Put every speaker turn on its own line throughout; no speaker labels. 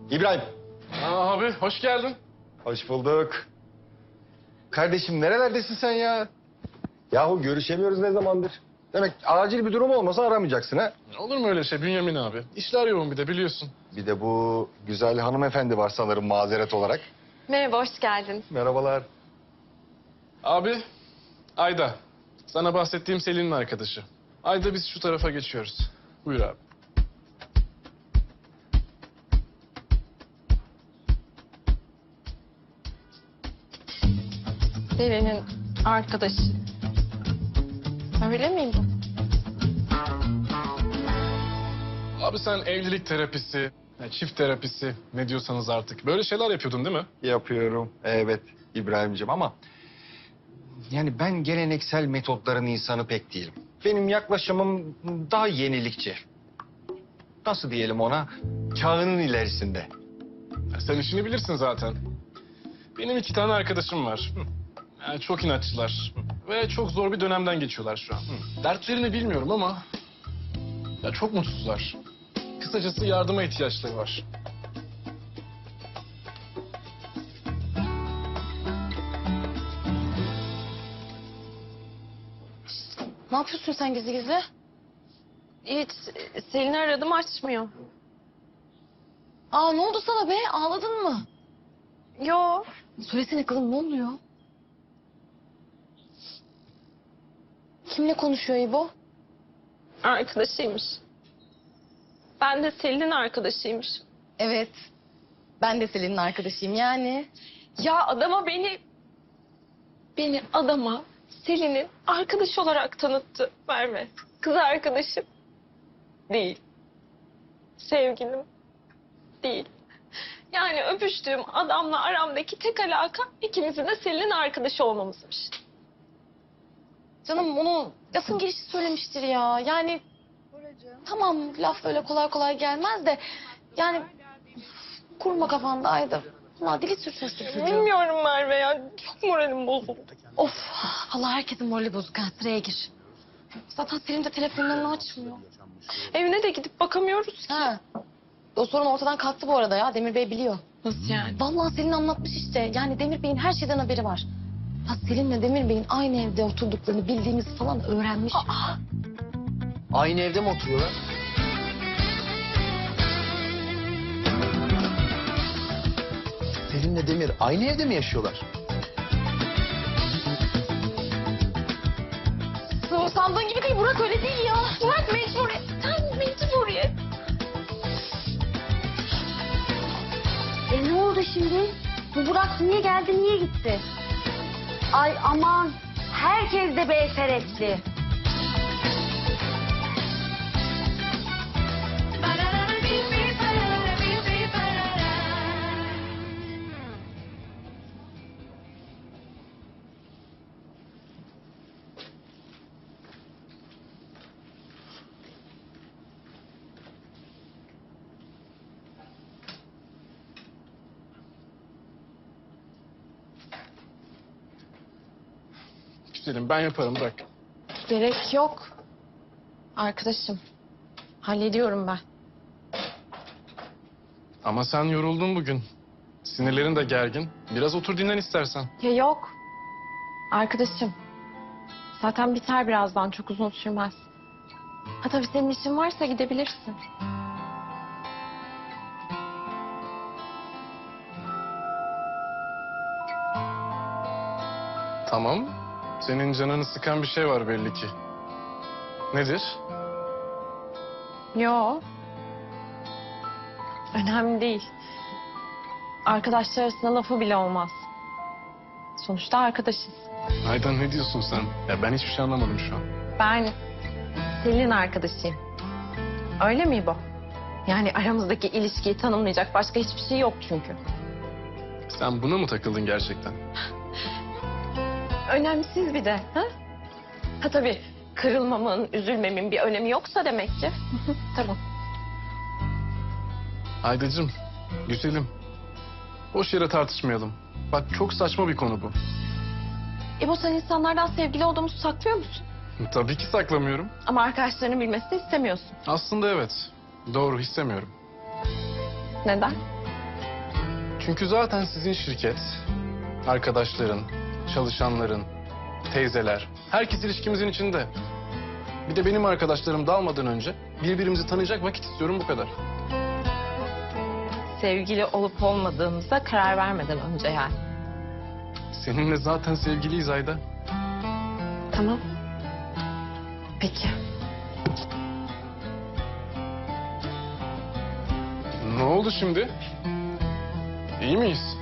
İbrahim.
Abi hoş geldin.
Hoş bulduk. Kardeşim nerelerdesin sen ya? Yahu görüşemiyoruz ne zamandır? Demek acil bir durum olmasa aramayacaksın ha?
Olur mu öyle şey Bünyamin abi? İşler yoğun bir de biliyorsun.
Bir de bu güzel hanımefendi var sanırım mazeret olarak.
Merhaba, hoş geldin.
Merhabalar.
Abi Ayda. Sana bahsettiğim Selin'in arkadaşı. Ayda biz şu tarafa geçiyoruz. Buyur abi.
Selin'in arkadaşı. Öyle miyim bu?
Abi sen evlilik terapisi, çift terapisi ne diyorsanız artık. Böyle şeyler yapıyordun değil mi?
Yapıyorum. Evet İbrahim'ciğim ama... Yani ben geleneksel metotların insanı pek değilim. Benim yaklaşımım daha yenilikçi. Nasıl diyelim ona? Çağının ilerisinde.
Sen işini bilirsin zaten. Benim 2 tane arkadaşım var. Yani çok inatçılar. Ve çok zor bir dönemden geçiyorlar şu an. Dertlerini bilmiyorum ama... Ya çok mutsuzlar. Kısacası yardıma ihtiyaçları var.
Ne yapıyorsun sen gizli gizli? Hiç. Selin'i aradım, açmıyor.
Aa, ne oldu sana be? Ağladın mı?
Yo.
Söylesene kızım, ne oluyor? Kimle konuşuyor İbo?
Arkadaşıymış. Ben de Selin'in arkadaşıymış.
Evet. Ben de Selin'in arkadaşıyım yani.
Ya adama beni adama Selin'in arkadaşı olarak tanıttı Merve. Kız arkadaşım değil. Sevgilim değil. Yani öpüştüğüm adamla aramdaki tek alaka ikimizin de Selin'in arkadaşı olmamızmış.
Canım onu lafın gelişi söylemiştir ya. Yani tamam, laf öyle kolay kolay gelmez de... Yani kurma kafanda Ayda. Ama dili sürçmesi çocuğu.
Bilmiyorum Merve ya. Çok moralim bozuldu.
Of, Allah herkesin morali bozuk ha. Sıraya gir. Zaten Selin de telefonlarını açmıyor.
Evine de gidip bakamıyoruz ki.
Ha. O sorun ortadan kalktı bu arada ya. Demir Bey biliyor.
Nasıl yani?
Vallahi Selin anlatmış işte. Yani Demir Bey'in her şeyden haberi var. Ya Selin'le Demir Bey'in aynı evde oturduklarını bildiğimizi falan öğrenmiş.
Aynı evde mi oturuyorlar? Selin'le Demir aynı evde mi yaşıyorlar?
O sandığın gibi değil Burak, öyle değil ya. Burak mecburiyetten mecburiyet.
Ne oldu şimdi? Bu Burak niye geldi, niye gitti? Ay aman, herkes de beyferetli.
Güzelim ben yaparım bırak.
Gerek yok. Arkadaşım. Hallediyorum ben.
Ama sen yoruldun bugün. Sinirlerin de gergin. Biraz otur dinlen istersen.
Ya yok. Arkadaşım. Zaten biter birazdan. Çok uzun sürmez. Ha tabii senin işin varsa gidebilirsin.
Tamam. Senin canını sıkan bir şey var belli ki. Nedir?
Yo. Önemli değil. Arkadaşlar arasında lafı bile olmaz. Sonuçta arkadaşız.
Aydan ne diyorsun sen? Ya ben hiçbir şey anlamadım şu an.
Ben Selin'in arkadaşıyım. Öyle mi bu? Yani aramızdaki ilişkiyi tanımlayacak başka hiçbir şey yok çünkü.
Sen buna mı takıldın gerçekten?
Önemsiz bir de. Ha tabii kırılmamın, üzülmemin bir önemi yoksa demek ki. Tamam.
Aydacığım, güzelim. Boş yere tartışmayalım. Bak çok saçma bir konu bu.
İbo sen insanlardan sevgili olduğumuzu saklıyor musun?
Tabii ki saklamıyorum.
Ama arkadaşlarının bilmesini istemiyorsun.
Aslında evet. Doğru istemiyorum.
Neden?
Çünkü zaten sizin şirket, arkadaşların, çalışanların, teyzeler, herkes ilişkimizin içinde. Bir de benim arkadaşlarım dalmadan önce birbirimizi tanıyacak vakit istiyorum, bu kadar.
Sevgili olup olmadığımıza karar vermeden önce yani.
Seninle zaten sevgiliyiz Ayda.
Tamam. Peki.
Ne oldu şimdi? İyi miyiz?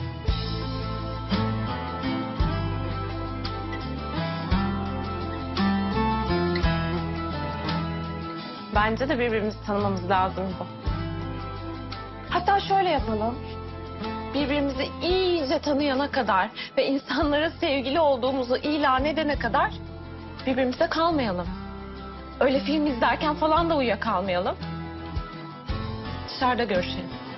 Bence de birbirimizi tanımamız lazım bu. Hatta şöyle yapalım. Birbirimizi iyice tanıyana kadar ve insanlara sevgili olduğumuzu ilan edene kadar birbirimize kalmayalım. Öyle film izlerken falan da uyuyakalmayalım. Dışarıda görüşelim.